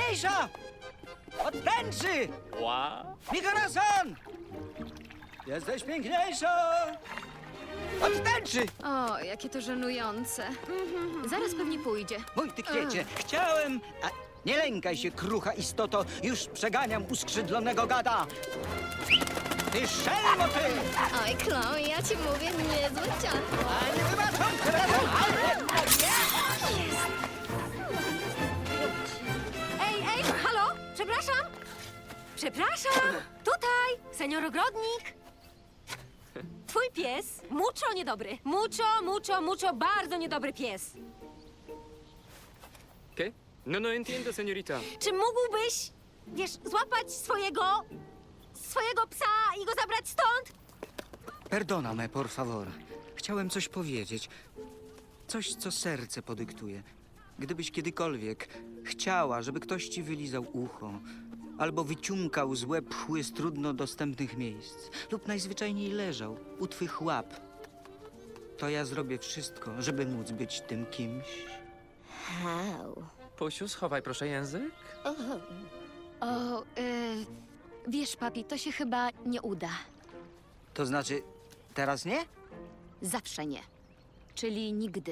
piękniejsza! Od tęczy! Wow. Mi corazon! Jesteś piękniejsza! Od tęczy! O, jakie to żenujące. Zaraz pewnie pójdzie. Mój ty kwiecie, chciałem... A nie lękaj się, krucha istoto, już przeganiam uskrzydlonego gada! Ty szelmo, ty! Oj, Chloe, ja ci mówię, niezłe ciacho. A nie wybaczam tym razem! Ej, halo? Przepraszam? Przepraszam! Tutaj, senior ogrodnik! Twój pies, mucho niedobry. Mucho, bardzo niedobry pies. ¿Qué? No entiendo, señorita. Czy mógłbyś, złapać swojego psa i go zabrać stąd? Perdóname, por favor. Chciałem coś powiedzieć. Coś, co serce podyktuje. Gdybyś kiedykolwiek chciała, żeby ktoś ci wylizał ucho, albo wyciumkał złe pchły z trudno dostępnych miejsc, lub najzwyczajniej leżał u twych łap, to ja zrobię wszystko, żeby móc być tym kimś. Pusiu, schowaj proszę język. O, wiesz, papi, to się chyba nie uda. To znaczy, teraz nie? Zawsze nie. Czyli nigdy.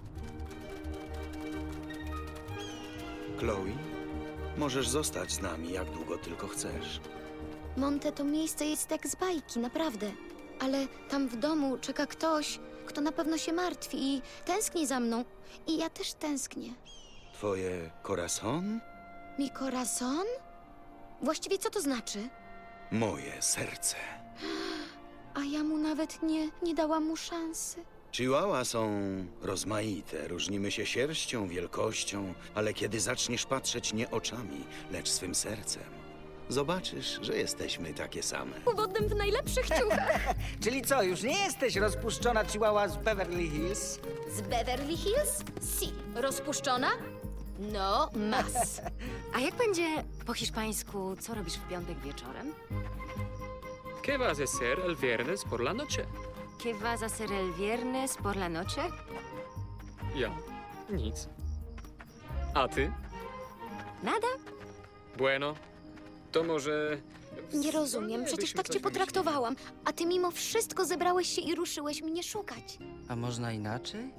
Chloe, możesz zostać z nami jak długo tylko chcesz. Monte to miejsce jest jak z bajki, naprawdę. Ale tam w domu czeka ktoś, kto na pewno się martwi i tęskni za mną. I ja też tęsknię. Twoje corazon? Mi corazon? Właściwie co to znaczy? Moje serce. A ja mu nawet nie dałam mu szansy. Chihuahua są rozmaite, różnimy się sierścią, wielkością, ale kiedy zaczniesz patrzeć nie oczami, lecz swym sercem, zobaczysz, że jesteśmy takie same. Powodem w najlepszych ciuchach. Czyli co, już nie jesteś rozpuszczona chihuahua z Beverly Hills? Z Beverly Hills? Si. Rozpuszczona? No, mas. A jak będzie po hiszpańsku, co robisz w piątek wieczorem? ¿Qué vas a hacer el viernes por la noche? ¿Qué vas a hacer el viernes por la noche? Ja. Nic. A ty? Nada. Bueno. To może... Nie rozumiem, przecież tak cię potraktowałam. A ty mimo wszystko zebrałeś się i ruszyłeś mnie szukać. A można inaczej?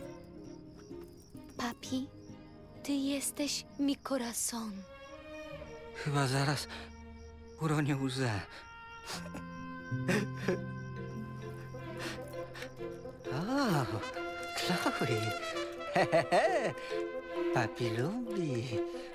Papi, ty jesteś mi corazon. Chyba zaraz uronię łzę. O, Chloe. Papi lubi.